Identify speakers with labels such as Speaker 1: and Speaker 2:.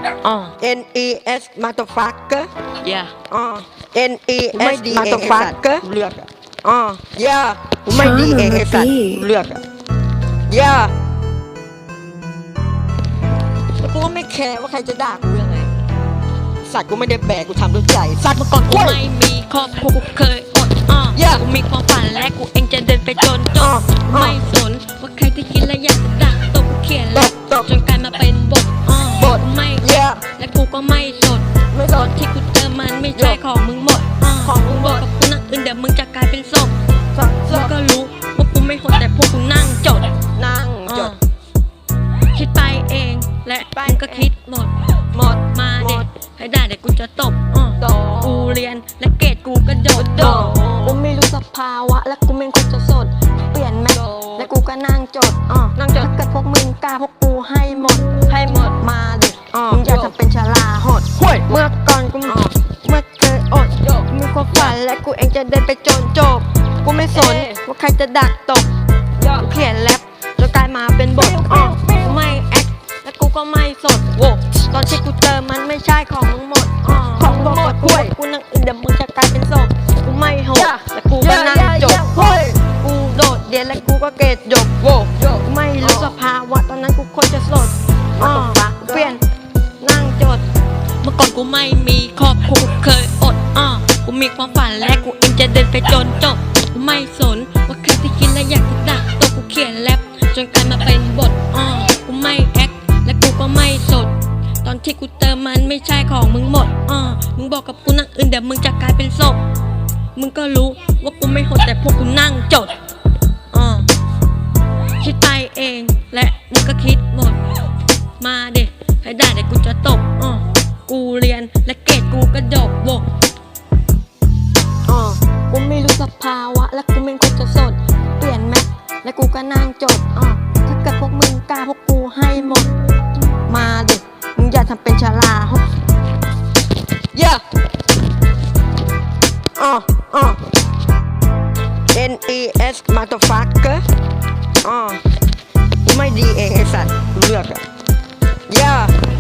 Speaker 1: NES motherfucker
Speaker 2: yeah
Speaker 1: NES motherfucker
Speaker 3: เลือก
Speaker 1: yeah กูไม่ดีเองไอ้สัตว์
Speaker 3: เลือก
Speaker 1: yeah กูก็ไม่แคร์ว่าใครจะด่ากูยังไงสัตว์กูไม่ได้แบกกูทำด้วยใจสัตว์
Speaker 2: เมื่อก่อนกูไม่มีครอบครัวกูเคยอดกูมีความฝันและกูเองจะเดินไปจนจบไม่สนว่าใครที่คิดและอยากจะด่าตบกูเขียนแล้วจนกลายมาเป็นบทไม่และกูก็ไม่สดตอนที่กูเจอมันไม่ใช่ของมึงหมดของมึงบอกกับกูนั่งอื่นเดี๋ยวมึงจะกลายเป็นศพมึงก็รู้ว่ากูไม่โหดแต่พวกกูนั่งจดคิดไปเองและมึงก็คิดหมดมาเด็กให้ได้เดี๋ยวกูจะตบกูเรียนและเกรดกูก็โดดกูไม่รู้สภาวะและกูไม่ควรจะสดเปลี่ยนแม็กและกูก็นั่งจดถ้าเกิดพวกมึงกล้าพวกกูให้หมดมาเด็กมึงอยากจะเป็นชลาหดเมื่อก่อนกูไม่เคยอดมีความฝันและกูเองจะเดินไปจนจบกูไม่สนว่าใครจะดักตบกูเขียนแรปจนกลายมาเป็นบทกูไม่แอคและกูก็ไม่สดตอนที่กูเจอมันไม่ใช่ของมึงหมดของมึงหมดกูนั่งอื่นเดี๋ยวมึงจะกลายเป็นศพกูไม่โหดและกูก็นั่งจบกูโดดเรียนและกูก็เกรดจบกูไม่รู้สภาวะตอนนั้นกูควรจะสดเปลี่ยนนั่งจดเมื่อก่อนกูไม่มีครอบครัวเคยอดกูมีความฝันและกูเองจะเดินไปจนจบกูไม่สนว่าใครที่คิดและอยากจะด่าตัวกูเขียนแรปจนกลายมาเป็นบทกูไม่แอคและกูก็ไม่สดตอนที่กูเติมมันไม่ใช่ของมึงหมดมึงบอกกับกูนั่งอื่นเดี๋ยวมึงจะกลายเป็นศพมึงก็รู้ว่ากูไม่โหดแต่พวกกูนั่งจดคิดไปเองและมึงก็คิดหมดมาเด็กให้ได้เดี๋ยวกูจะตบกูเรียนและเกรดกูก็ดกกูไม่รู้สภาวะและกูไม่ควรจะสดเปลี่ยนแม็กและกูก็นั่งจดถ้าเกิดพวกมึงกล้าพวกกูให้หมดมาเด็กมึงอย่าทำเป็นชลา
Speaker 1: yeah NES motherfucker กูไม่ดีเองไอ้สัตว์
Speaker 3: เลือก
Speaker 1: yeah